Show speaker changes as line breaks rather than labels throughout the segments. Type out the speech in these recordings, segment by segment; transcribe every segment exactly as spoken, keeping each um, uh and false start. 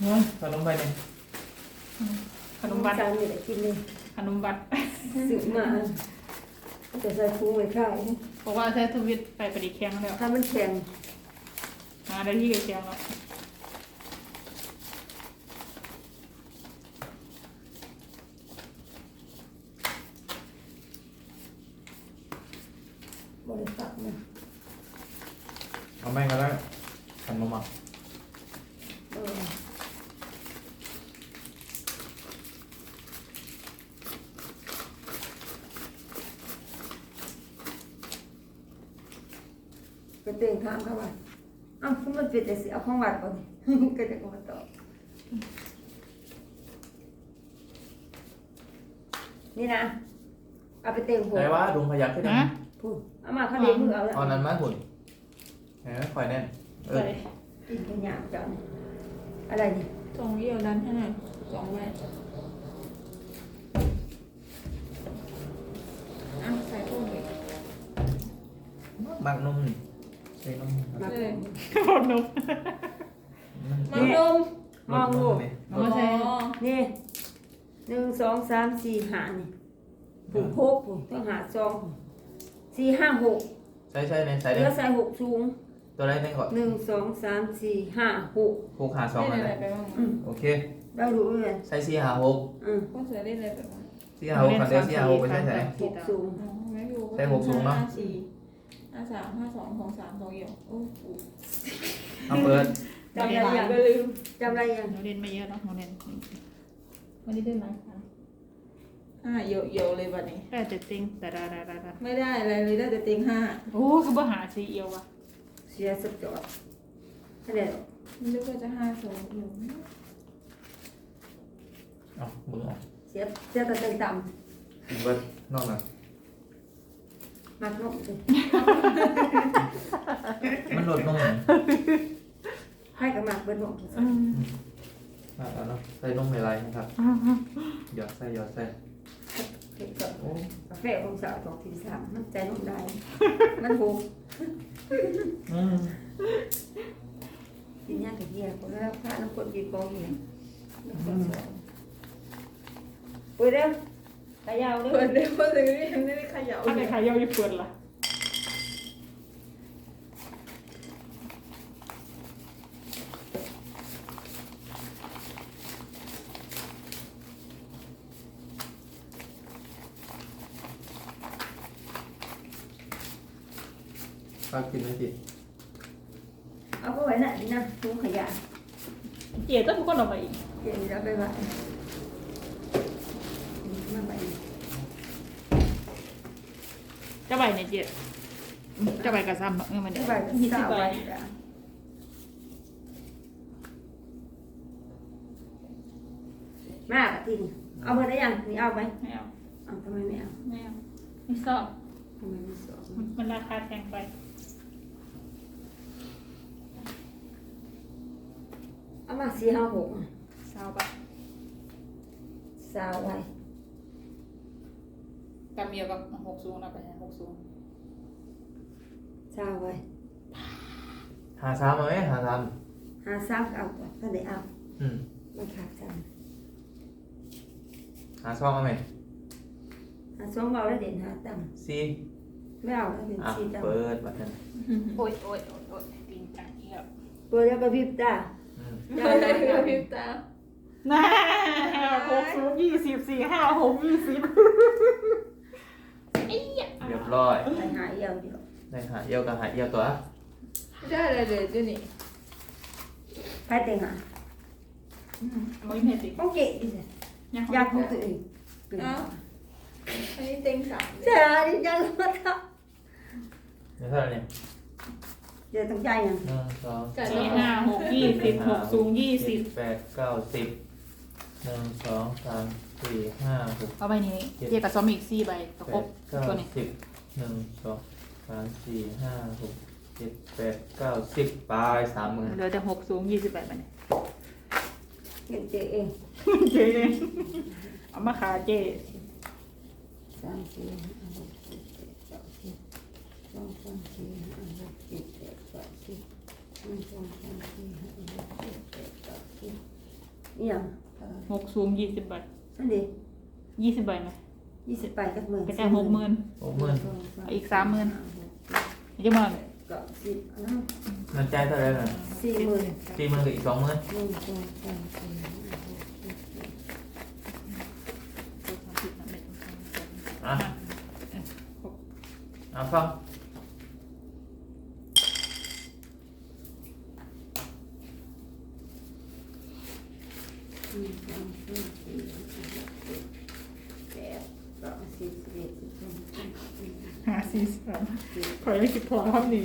เฮ้ยขนมไปเนี่ย
ขนมบัตร
จานนี่แหละกินเลย
ขนมบัตร
ซื้อมาจะใส่ถุงไว้ขาย
บอกว่าใช้ทวิตไปประดิษฐ์แข้งแล้ว
ถ้ามันแข็ง
มาได้ที่แข้งแล้ว
บริษัทนะ
เอาแม่งก็ได้ขันมาหมัก
เออไปเต่งถามเขาว่าอ้าวคุณมันเป็นแต่สิเอาของวัดก่อนก็จะมาตอบนี่นะเอาไปเต่งหัว
ได้ว่าดุงพยักขึ้น
นะ
พูดเอามาเขาเลี้ยงมือเอาแล้ว
เอานั้นมาหุ่นเห็นไหมคอยแน่นเออ
ใส่
กินกันอย่างเจ้าเนี่ยอะไรนี่
สองเยี่ยวดันให้หน่อยสองแม่อ่ะใส่พวกนี้
หมักนมนี่ใส่นม
มา
เลย
ม
ขนม
มัน
องลงมองลูก
นี่
เอามาใส่
นี่หนึ่งสองสามสี่ห้านี่ผูกหกผูกต้องหาซองสี่ห้าหก
ใช่ใช่ในใส่
เห
ได้
ลือใส่หกสูง
ตัวได้ในก่อน
หนึ่งสองสามสี่ห้าหก
หกหาสอง
ได้
อะไร
อะไรไปบ้าง
อืม
โอเค
เราดูเลย
ใส่สี่หาหก
อืม
ก็เสือได้อะไรไปบ้าง
สี่หาหกคันเดียวสี่หาหกไปใช่ไหม
หกสูง
ไม่อยู่
ใส่หกสูงเนอะ
ห้าสี่ห้าสามห้าสองสองสามสองเอี่ยวโอ้โห
เอาเปิด
จำอะไรยัง
ก็ลืม
จำอะไรยัง
เราเล่นไม่เยอะเนาะเราเล่นวันนี้ได้ไหมห้าเอี่ยวเอี่ยวเลยวันนี้ได้แต่ติงแต่ดาดาดาดา
ไม่ได้อะไรเลยได้แต่ติงห้า
โอ้คือบ่หาซีเอียวว่ะ
เสียสจอดนั่นแหละ
นึกว่าจะห้าสองอยู่
เอามือออก
เสียเสียแต่เต็งต่
กินเบิร์ดนอกหน่อย
ำมากนกสิ
มันลดนมหน่อย
ให้กับมากเบิดนก
มาแล้วเนาะใส่นมในไรนะครับหยอดใส่หยอดใส่
เก็บกับ
โอ้
กาแฟองศาสองทีสามมันใจนกได้ มันหก
อืม
กินยากับเฮียคนแล้วพระน้ำคนกินกองเฮียเปิดเด้อขายาวเด้
เปิ
อ
ดเดี๋ยวเลยยังไม่ได้ขยับ
ถ้าใครขายเยี่ยวญี่ปุ่นล่ะ
ข้าวกินไหมพี่
เอาไปไว้ไหนนะถุงขยะ
เจี๊ยต้องทุกคนออกมาอีก
เดี๋ยวเราไปไว้มาไป
จะใบเนี่ยเจี๊ยจะใบกระซ้ำเออมัน
ไป
เนี่ย
ไว้
ยี่
สา
สิบ
ว
ใบ
ไว้มาปะทีนี่เอาเบอร์ได้ยังนี่เอาไหม
ไม่เอา
เอาทำไมไม่เอา
ไม่เอาไม่ชอบ
ทำไมไม่สอง
มันราคาแพงไป
เอามาสี่ห้าหก
สาวปะ
สาวไว้
กับเมียกับหกสูงนะไปหกสูง
สาวไว้
หาซ้ำไหมหาซ้
หาสามเอาต่อถ้าได้เอา
ำอืม
มันขาดสาม
หาซองเอาไหม
หาสองเอาแล้วเด่นหาต่
ซี
ำไม่เอาแล้วเป็น
อ่ะ
สี่ต่ำ
เปิดบัตรนั้น
โอ้ยโอ้ยโอ้ยโอ้ยจริงจังเอียบ
เปิดแล้วก็พริบตา
อืม
ได้
ได้
ได้
กระพริบตา
น่าหกสูงยี่สิบสี่ห้าหกยี่สิบไอ้ยะ
เรียบร้อย
ไปหาเอี่ยวเดียว
ได้หาเยี่ยวกับหาเยี่ยวตัว
ไม่ได้อะไรเลยเจ้านี่
ใครเต็งหา
ไม่เห็นสิ
ต้องเก๋ดิสิ
ยัง
อยากของตัวเอง
เอ้าอันนี้ติงสาม
เสียดิจังมาท
เดี๋ยวเท่าไหร่เนี่ย
ำเดี๋ยวต้องใจยัง
หนึ่งสอง
สี่ห้าหกยี่สิบหกสูงยี่สิบ
แปดเก้าสิบหนึ่งสองสามสี่ห้าหก
เอาใบนี้เจียกับซอมอีกสี่ใบตะ
แป
ครบ
ดเก้า
ตัวนี้
สิบหนึ่งสองสามสี่ห้าหกเจ็ดแปดเก้าสิบปลายสามหมื่น
เหลือแต่หกสูงยี่สิบแปดใบเนี่ย
เงินเจ๊เอง
เจ๊เนี่ยเอามาขาเจ๊
สามสี่ห้าหกเจ็ดแปดเก้าสิบสองสามสี่ห้าหกเจ็ดแปดเก้าสิบหนึ่งสองสามสี่ห้าหกเจ็ดแปดเก้าสิบนี่ยัง
หกสูงยี่สิบใบ
นั่นดิ
ยี่สิบใบไหม
ยี่สิบไปกับหมื่น
กระจายหกหมื่น
หกหมื่น
อีกสามหมื่น จะมา
ก็สิบนะ
เงินจ่ายเท่าไหร่น่ะ
สี่หมื่น
สี่หมื่นกับอีกสองหมื่น
หนึ่งสองสามสี่ห้าหกเจ็ดแปด
อ่ะอ่ะฟัง
หนึ่งสองสามสี่ห้าหกเจ็ดแปดเก้าสิบสิบเอ็ดสิบสองสิบสามสิบสี่
หาสี่สามขอยังคิดพอครับนี่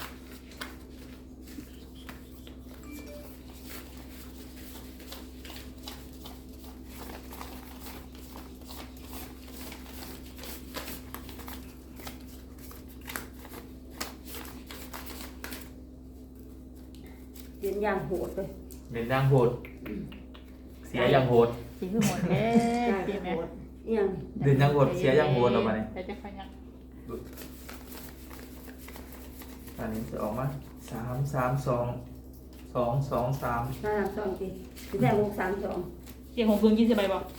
เรียนอย่างโหดเลย
เด่นยังโหดเสียยังโหด
สีคือหมดแล้
จ่า
วย เจ๊
โห
แม่
ดนี่ยัง
เด่นยังโหดเสียยังโหดเราไปเนี่ย
แต่จะขยัน
ตอนนี้จะออกมาสามสามสองสองสองสาม
ห้าสามสองทีถึงแต่หกสามสอง
เจ๊หกสูงยี่สิบใบบอก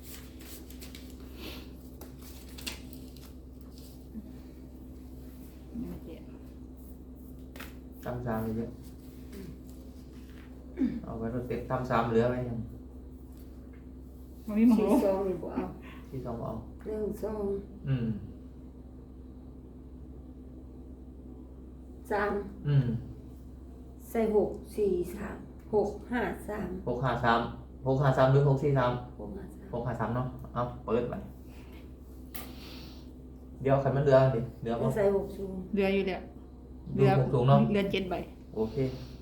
ตำสามเยอะเอาไว้รถเต็มตำสามเหลือไว้ยัง
มันมีหมอง
สี่
ลง
สองนี่บ่เอา
ที่สองเอา
หนึ่งสอง
อืม
สาม
อืม
ใส่หกสี่สามหกห้าสาม
หกห้าสามหกห้าสามหรือหกสี่สาม
หกห้าสาม
หกห้าสามเนาะเอาเปิดไปเดี๋ยวใครมันเรือดิเรือ
แล้ว
ป่ะ
ใส่หกสูง
เรืออยู่เดียว
เรือหกถุงเนาะ
เรือเจ็ดใบ
โอเค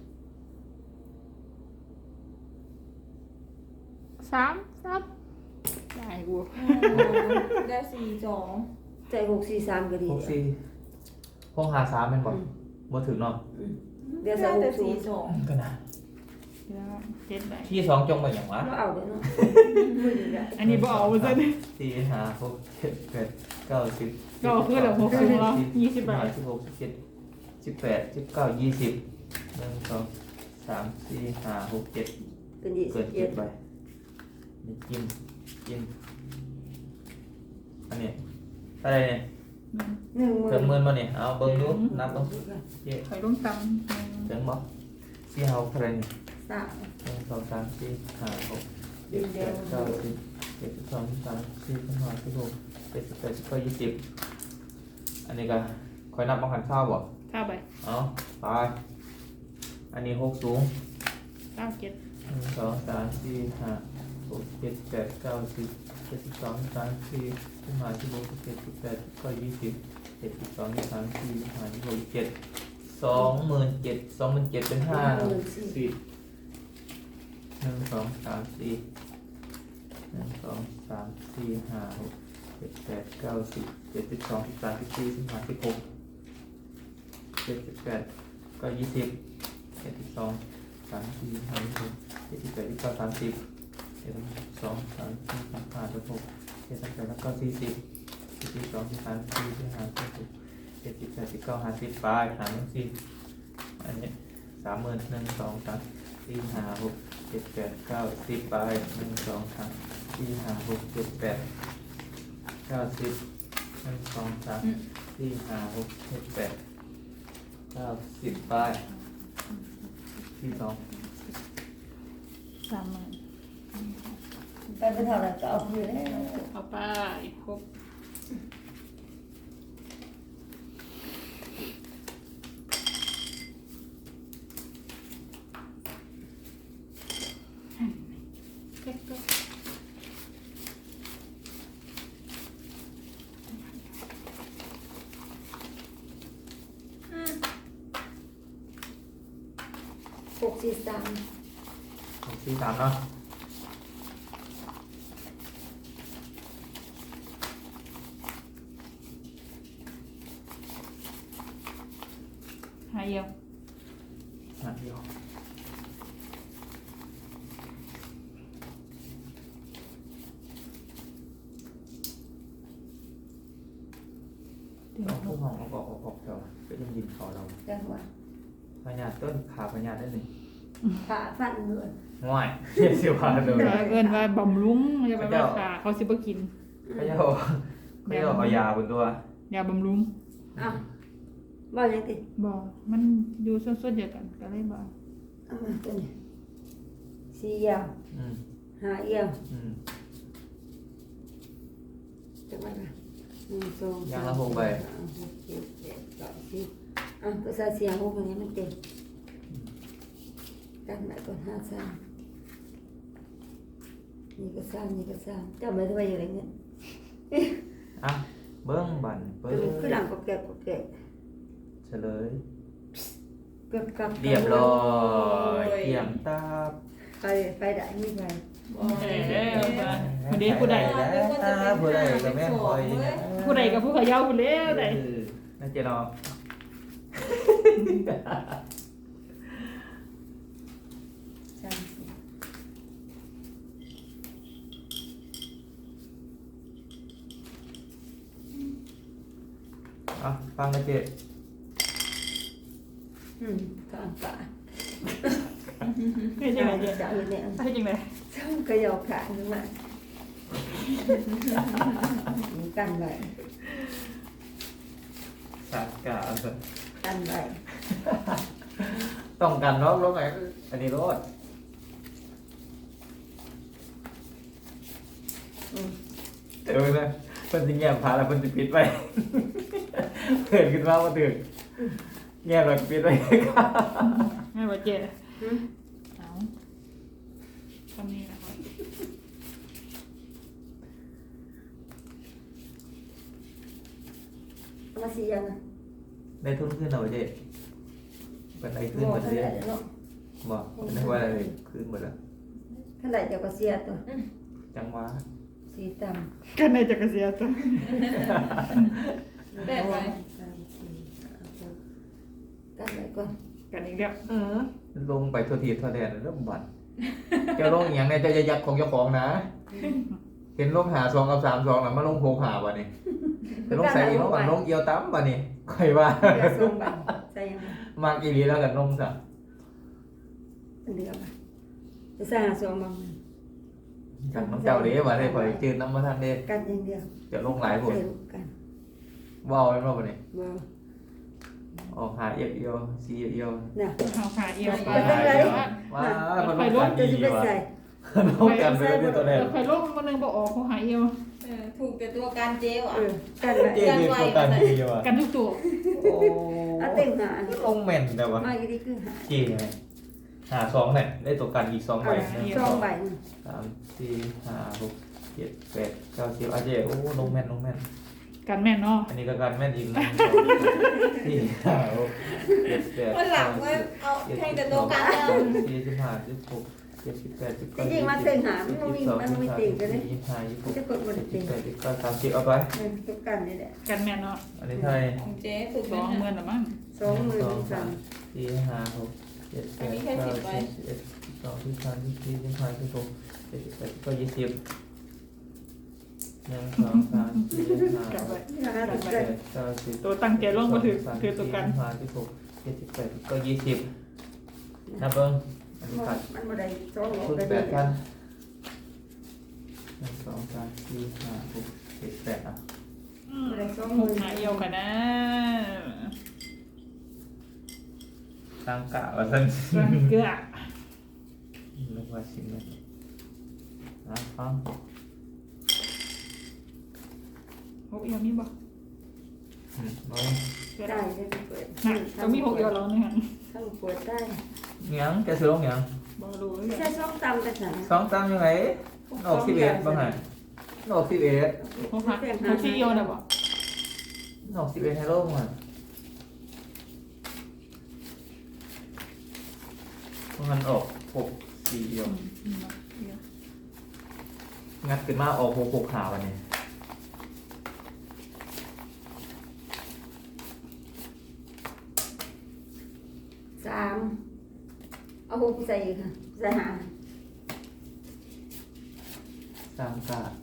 สามสามได้กู
ได้สี่สอง
ใส่หกสี่สามก็ดี
หกสี่หกห้าสามเป็นบ่
อืม
บ่ถึงเนาะ
อืมเดี๋ยวใส่
ได้
ห
แต่
กสู
สี่
ง
สอง
ก็นะ
เรือเจ็ดใบ
ที่สองจงไปอย่างวะ
เราเอาเดี๋ยวเนาะมือเดียว
อันนี้บ่เอาซะดิ
สี่ห้าหกเจ็ดแปดเก้าสิบ
ก็เอาคือเหลือหกสูงแล้วยี่สิบใบ
ห้าสิบหกสิบเจ็ดสิบแปดสิบเก้ายี่สิบหนึ่งสองสามสี่ห้าหกเจ็ด
เป็นยี่
เกิ
สิ
น
บ
เจ็
เอ็
ด
ด
ใบนี่กินกินอันนี้อะไรเนี่ย
หนึ่งหมื่
เกิ
น
นหมื่นมาเนี่ยเอาเบิ้งดูนับเบิ้งเจ๊
คอยลงตำ
เกินบ่สี่ห้าหกเท่าไหรเนี่ย
สาม
หนึ่งสองสามสี่ห้าหกเจ็ดแปดเก้าสิบเจ็ดสิบสองสิบสามสี่สิบห้าสิบหกเจ็ดสิบแปดสิบเก้ายี่สิบอันนี้ก็คอยนับบังคันข้าวบ่
เก้าใบ
เอาไปอันนี้หกสูง
เก้าเจ็ด
หนึ่งสองสามสี่ห้าหกเจ็ดแปดเก้าสิบเจ็ดสิบสองสามสี่สิบห้าสิบหกสิบเจ็ดสิบแปดสิบเก้ายี่สิบเจ็ดสิบสองยี่สิบสามสี่สิบห้าสิบหกสิบเจ็ดสองหมื่นเจ็ดสองหมื่นเจ็ดเป็นห้าสิบหนึ่งสองสามสี่หนึ่งสองสามสี่ห้าหกเจ็ดแปดเก้าสิบเจ็ดสิบสองสิบสามสิบสี่สิบห้าสิบหกเจ็ดสิบแปดก็ยี่สิบเจ็ดสิบสองสามสี่ห้าหกเจ็ดสิบแปดยี่สิบเก้าสามสิบเจ็ดสิบสองสามสี่สามห้าสิบหกเจ็ดสิบแปดแล้วก็สี่สิบเจ็ดสิบสองสิบสามสิบสี่สิบห้าสิบหกเจ็ดสิบแปดสิบเก้าห้าสิบไปหาหนึ่งสี่อันนี้สามหมื่นหนึ่งสองสามสี่ห้าหกเจ็ดแปดเก้าสิบไปหนึ่งสองสามสี่ห้าหกเจ็ดแปดเก้าสิบหนึ่งสองสามสี่ห้าหกเจ็ดแปดเก้าสิบไปที่สอง
สามหมื่น
ไปเป็นเท่าไหร่ก็เอาคืนแล้ว
เอาไปครบเก็บก็
หกสี่สาม
หกสี่สามเนาะ
หายเดียว
หาเดียว
ถึง
เรา
ห
ผู้
ก
ห้องเอาออกออกออกเถอะไปยินยินเขาเรา
จังหวะ
พญาต้นขาพญาได้หนึ่ง
ขาฟันเลย
ง่อยเฮียสิว่าเลย
เอินว่าบำรุงอย่าไปว่าขาเขาสิบ่กิน
เขาจะเขาจะเอายาบนตัวย
าบำรุง
อ่ะบ่ยังติ
บ่มันอยู่ส่วนๆเดียวกันก็เลยบ่
เอามาตัวนี้สี่ยาว
อืม
ห้าเอียว
อืม
จังหวะละหนึ่งสอง
ยา
สาม
ละหกใบ
ห้าหกเจ็ดแปดเก้าสิบอ่ะก็ใส่เสียงหกอย่างนี้มันเต็มกันไหนก่อนห้าสามนี่ก็สามนี่ก็สามจำไว้ทำไมอย่างไรเนี่ย
อ่ะเบิ้งบันเบิ้
คือ
ง
คือหลังก็แก่ก็แก่
เฉลย
เกือบกับ
เรียบร้อยเกี่ยมตาบ
ไปไปได้ไม่ไป
เอ้ยผู้ใดผู้ใด
แล้วผู้ใดก็แม่คอยนะ
ผู้ใดกับผู้เขย่าผู้เล้วใด
เออน่าจะรอ
สามสี่
อ่ะฟังนะเจ๊
อืมกลางป่า
เฮ็ดจังไดเจ๊
จะเอาเนี่ย
เฮ็ดจังได
ช่างกระยอขาขึ้นมามีกันไว้
สักกะ
กันไว้
ต้องกันรอบรถไหนอันนี้รถ
อืม
เออนะเพิ่นสิแง้มพาแล้วเพิ่นสิปิดไว้ เพิ่นขึ้นมาบ่ถึงแง้มแล้วก็ปิดไว้
แม่นบ่เจ๊
หืม
เอาทำนี่นะครับ
เอามาสี่ยังนะ
ได้ทุนขึ้นแล้วบ่เจ๊เพิ่นได้ขึ้น
โม่
หมด
เท่า
เลย
ไหร่เนาะ
บ่เพิ่นได้ว่าอะไรขึ้นหมดแล้ว
เท่าไหร่เดี๋ยวก็เสียตัว
จังหวะ
สี่ต่
กันในจักรเสียตัว
ำ
แปดไว้
สามสี่ห้าหกกันไว้ก่อน
กันอีกแล้ว
อือลงไปทั่วทีทั่วแดนเริ่มบันเจ้าลงอหย่างในเจ้าจะยักของเจ้าของนะ เห็นลงหาซองกับสามซองน่ะมาลงโพกหาบ่นี่จะลงใส่อีกเนาะมันลงเอียวตั้มบ่นี่ค่อยว่า
เดี๋ยวส่งไปใส่ยังไง
มากอีหลีแล้วกันลงซะ
เดี๋ยวไปจะใส่หาส่งบาง
กันน้ำเจ้าเด้ว่าได้ข่อยจืดน้ำมาทันเด้
กันอย่างเดียว
จะลงหลายพุ่น
เร็วกัน
ว้าวแม่นบ่บ่นี่
บ่
ออกหาเอียวเอียวสีเอียว
น่ะ
เอาขาเอียวไป
ไปทางไหน
ว้ามันล
ไป
ง
ล
กั
ง
น
จะ
ดี
สิไป
ว่ะ
ใส่
ลงกันไปเลยตัวแดน
ไปลงมันนึงบ่ออกเขาหาเอียว
เออถูกแต่ตัวการเจ๊อ่ะ
เออกันไว้
เจ๊ดีตัวกันดีว่ะ
กันทุกตัว
โอ้
เอาเต็งหา
ลงแม่นแต่ว่า
มาอยู่ดีคือหา
เจ๊ไงหาสองเนี่ยได้ตัวกันอีกสองใบหนึ่ง
ส
ส
อ
อง ง
ใบหนึ่ง
สามสี่ห้าหกเจ็ดแปดเก้าสิบอ่ะเจ๊โอ้ลงแม่นลงแม่น
กันแม่นเนาะ
อันนี้ก็กันแม่นอีกหนึ่งสองสี่ห้าหกเจ็ดแปด
วันหลังว่าเอา
เจ็ด
แทง
สิ
แต่
บส
ตั
อ
ว
ง
การ
สิบ
เดิ
สาม
ม
สิบสี่สิบห้าสิบหกเจ็ดสิบแปดสิบ
จ
เก้า
ริงๆมาเต็งหามันมีมันมีเต็งกันเลย
ยี่สิบห้ายี่สิบหก
จะกดบน
ยี่
เต็
สิ
ง
บแปดยี่สิบเก้าสามสิบเอาไป
เออตัวกันนี่แหละ
กันแม่นเนาะ
อันนี้ไทย
ของเจ๊ถูก
สองหมื่นละมั้ง
สองหมื่นสาม
สี่ห้าหกเจ็ดแปดเก้าสิบสิบเอ็ดสิบสองสิบสามสิบสี่สิบห้าสิบหกเจ็ดสิบแปดก็ยี่สิบหนึ่งสองสามสี่ห้า
กัน
ห
ไว้
ก
นี่นะ
เจ็
ตัว
ด
กัน
แปดเก้าสิบ
ตัวตั้งใจลงมาถือถือตัวกัน
ห้าสิบหกเจ็ดสิบแปดก็ยี่สิบนับเบิ้งอันนี้ขาด
มันบ่ได้สองหก
ทุน
ได้
แป
เดี
ด
ย
พั
วน
หนึ่งสองสามสี่ห้าหกเจ็ดแปดอ่ะ
บ่ได้สองห
ห
มื่
ก
น
หาเอียวกันนะ
ตั้งกะว่าซั่น
รังเกลือ
นึกว่าสิบเลยนะฟัง
หกเอียวมีบ่
อืมเอา
ได้ได้เปิด
น่ะก็มีหกเอียวแล้วนี่ฮะ
ถ้าเปิดได้
หยังจะซื้อลงหยัง
บ่รู้เลย
ใช่ช่องตำแต่ไหน
สองตามยังไงออกสิบเอ็ดบ้างไงออกสิบเอ็ด
หกหาหกที่เอียวน่ะบ่
ออกสิบเอ็ดให้โลกมันเพราะงั้นออกหกสี่เดียว
อืมเอียว
งัดขึ้นมาออกหกหกขาวันนี้
สามเอาหกใส่อีกค่ะใส่หา
สามกา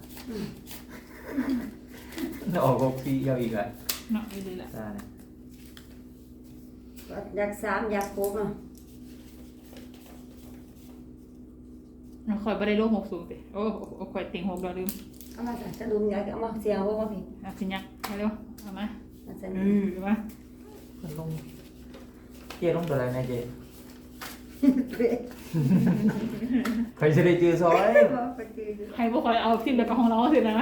ออกหกสี่เดียวอีกอ่ะ
เนาะอยู่ดีแหละ
ได้เนี่ย
อยากสามอยากหกอ่ะ
คอยไม่ได้ร่วมหกสูงสิโอ้คอยติ่งหกเราลืม
เอามาจะดุมใหญ่เอามาเสียงว่าว่าพี่
อ่ะสิยักมาเร็วเอามา
มาจะ
เออมา
มันลงเจ๊ลงตัวอะไรนะเจ๊ใครจะได้จือซอย
ใครพวกคอยเอาทิมแล้วก็ของเราสินะ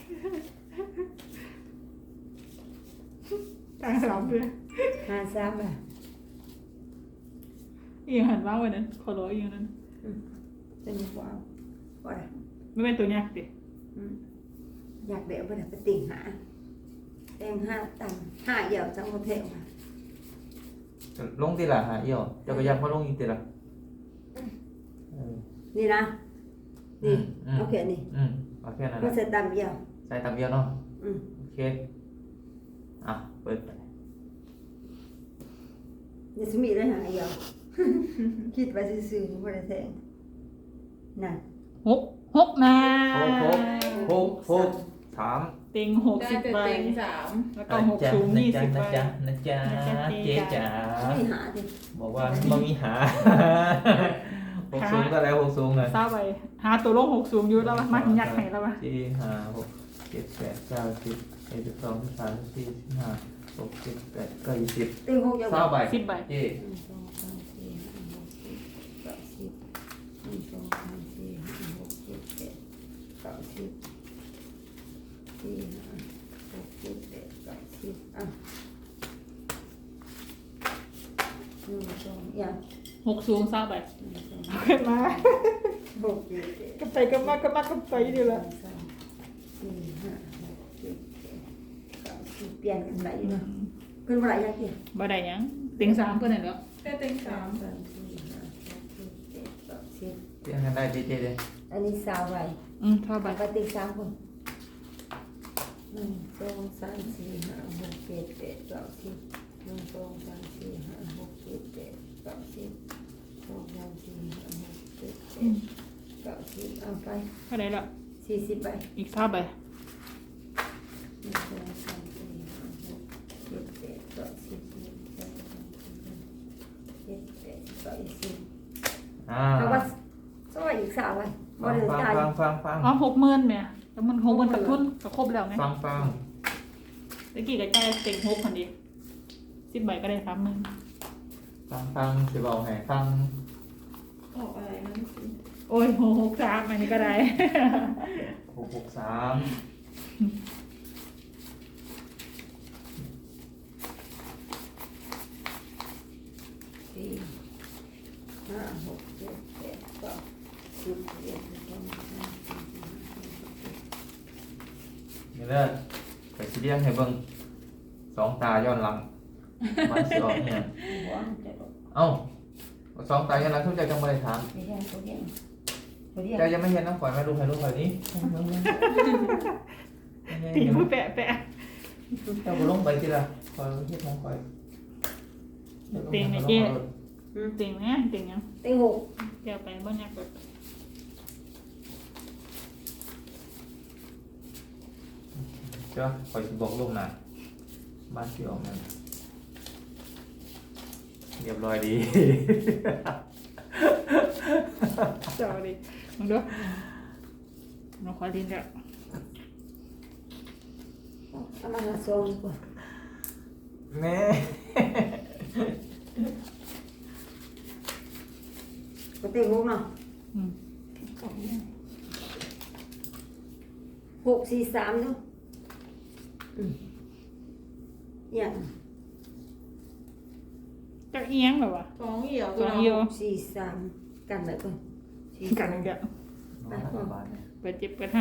กลางสลับเลย
หาซ้ำอ่ะ
อีกหันว่าวันนั้นขอร้อยอีกนั้น
จะมีความว่า
ไม่เป็นตัวยักษ์ดิ
อยากเดี๋ยวไปไปติ่งหาแตงห้าตังห้าเหี่ยวจังโมเทลมา
ลงตีละหาเอี่ยวจะก็ยังมาลงอีกตีละเออ
นี่นะนี่
อืม
โอเคนี่
อืมเอาแค่นั้น
ก็
นะ
จะตำเหี่ยว
ใส่ตามเดียวเนาะ
อืม
โอเคอ่ะเปิดไป
อย่าสมีได้หาเหี่ยวคิดไปซื่อๆไม่ได้แทงนั่น
หกหกนา
หกหกหกหกสาม
ติงหก
ได้
สิบ
แต่
ใบ
เต็งสาม
แล้วก็หกสูงยี่สิบใบ
นะจ๊ะนะจ๊ะเจ๊จ๋า
ไม่หาดิ
บอกว่าไม่มีหาหกสูงก็แล้วหกสูงเลย
ทราบไปหาตัวลงหกสูงอยู่แล้ววะมายักษ์ไหนแล้ววะ
สี่ห้าหกเจ็ดแปดเก้าสิบเอ็ดสิบสองสิบสามสิบสี่สิบห้าหกสิบแปดเก้ายี่สิบ
ติ่งหกเหี่ยว
เศร้าใบ
สิบใบ
เจ๊
หนึ่งสองสามสี่ห้าหกเจ็ดแปดสิบหนึ่งสองสามสี่ห้าหกเจ็ดแปดเก้าสิบสี่ห้าหกเจ็ดแปดเก้าสิบอ่ะหนึ่งสองอย่าง
หกสูงทราบไป
หนึ่งสอง
ขึ้นมา
หกเจ็ดแปด
ก็ไปก็มาก็มาก็ไปดีละ
สองสี่ห้าหกเจ็ดแปดเก้าสิบเปลี่ยนกันไหนเนาะเพิ่นบ่ได้ยังเกี่ย
บ่ได้ยังติงสามก็ได้แล้ว
ได้เต็ง
สา
สาม ม
สามสี่ห้าหกเจ็ดแปดเก้าสิบ
เจ๊กันได้เจ๊เจ๊เลย
อันนี้สาวไว้
อืมเท่าใบ
ปกติสามคนหนึ่งสองสามสี่ห้าหกเจ็ดแปดเก้าสิบหนึ่งสองสามสี่ห้าหกเจ็ดแปดเก้าสิบสองสามสี่ห้าหกเจ็ดแปดเก้าสิบเอาไป
เท่าไหร่ละ
สี่สิบใบ
อีกทราบใบ
หนึ่งสองสามสี่ห้าหกเจ็ดแปดเก้าสิบหนึ่งสองสามสี่ห้าเจ็ดแปดเก้าสิบ
อ่า
เอาว่าซอยอีกสาวไว้บ่
ฟัง
ได้
ฟัง
จ่าย
ฟังฟังฟัง
อ๋อหกหมื่นแม่แล้วมันหกหมื่นกับทุนก็ครบแล้วไง
ฟังฟัง
ตะกี้ก็จ่ายเต็งหกคนเดียวสิบใบก็ได้สามหมื่น
ฟังฟังสิบอกให้ฟัง
ออกอะไรนั่นสิ
โอ้ยหกหกสามอันนี้ก็ได้
หกหกสาม
สี่ห้าหกเจ็ดแปดเก้าสิบเอ็ดสิบสองสิบสามสิบสี่สิบห้าสิบหก
นี่เด้อไปสิเรียงให้เบิ่งสองตาย้อนหลังมันสิออกเนี่ย
หัวมันจะตก
เอ้าสองตาย้อนหลังทุกใจจังบ่ได้ถาม
ไม่ใช่ตัวเดียวตัวเดียว
เจ้ายังไม่เห็นน้ำข่อยมาดูให้ลูกข่อยนี้
ตีมือแปะแปะ
เจ้าบ่ลงไปทีละข่อยเฮ็ดของข่อย
เต็งไงเจ๊เต็งเนี่ยเต็งยัง
เต็งหก
เดี๋ยวไปบ้านยักษ์ก่อน
เจ้าข่อยสิบอกลูกนะบ้านสิออกนั่นเรียบร้อยดี
เจ้าดิมึงดูเราขอดินแล้ว
เอามาหาซองดีกว่า
แม่
ก็เต็งหกเนาะ
อืม
หกสี่สามเนาะอืมอย่าง
จะเอียงแบบวะ
สองเหี่ยว
สองเหี่ยว
หกสี่สามกันไว้ก่อนสี่
กั
สาน ม
เดี๋ยว
น้องรัฐบาลเนี่ย
ไปเจ็บกันฮะ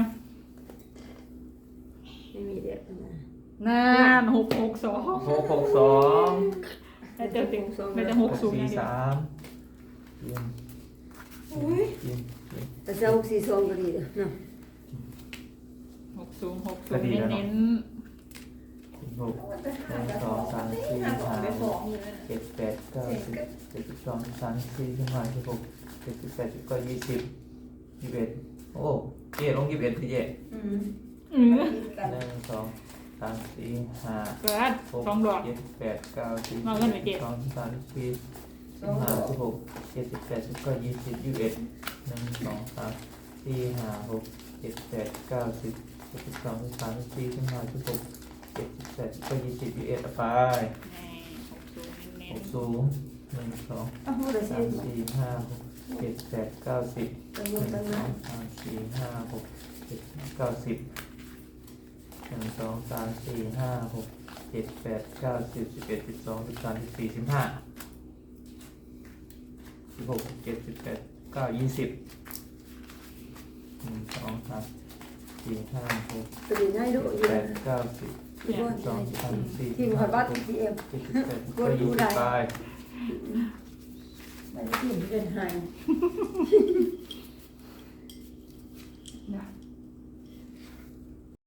ไม่มีเด็กนะ
นานหกหกสอง
หกหกสอง
น่าจะติงน่าจะห
ห
ก
ก
สูง
สี่
นะเดี๋ยว
สามเยี่ยม
อุ้ย
เยี่ยมเยี่ยม
แต่จะหกสี่สองก็ดีเด้อเนาะ
หกสูงหกสูงเน้น
หกหนึ่งสองสามสี่
ห้า
ห้า
สองไป
ห
สอก งอยู่นั่น
เจ็ดแปดเก้าสิบเจ็ดสิบสองสามสี่สิบห้าสิบหกเจ็ดสิบแปดสิบเก้ายี่สิบยี่สิบเอ็ดโอ้เจ๊ลงยี่สิบเอ็ดพี่เจ๊
อืม
อืม
หนึ่งสองสามสี่ห้า
เกิด
หก
สองดอก
เจ็ดแปดเก้าสิบ
มาเงินไหนเจ๊
สองสามสี่
ส
สิบห้าสิบหกเจ็ดสิบแปดสิบเก้ายี่สิบยี่สิบเอ็ดหนึ่งสองสามสี่ห้าหกเจ็ดแปดเก้าสิบเจ็ดสิบสองสิบสามสิบสี่สิบห้าสิบหกเจ็ดสิบแปดสิบเก้ายี่สิบยี่สิบเอ็ดเอาไป
ในหกสูงเน้น
หกสูงหนึ่งสอง
อ้าวเรา
สา
สิ
มสี่ห้าหกเจ็ดแปดเก้าสิบ
ตั้ง
ห
ล
นึ่
ง
ง
ตั้ง
สอ
นั้
ง
น
สามสี่ห้าหกเจ็ดเก้าสิบหนึ่งสองสามสี่ห้าหกเจ็ดแปดเก้าสิบสิบเอ็ดสิบสองสิบสามสิบสี่สิบห้าสิบหกสิบเจ็ดสิบแปดเก้ายี่สิบหนึ่งสองสามสี่ห้าหก
ตัวนี้ได้ดูอยู่
แปดเก้าสิบ
ที่บ้าน
สองสามสี่
ที่หัวบ้านที่เอ็ม
เจ็ดสิบแปดก็ยี่สิบไป
ไม่ได้ที่เป็นไฮ
นะ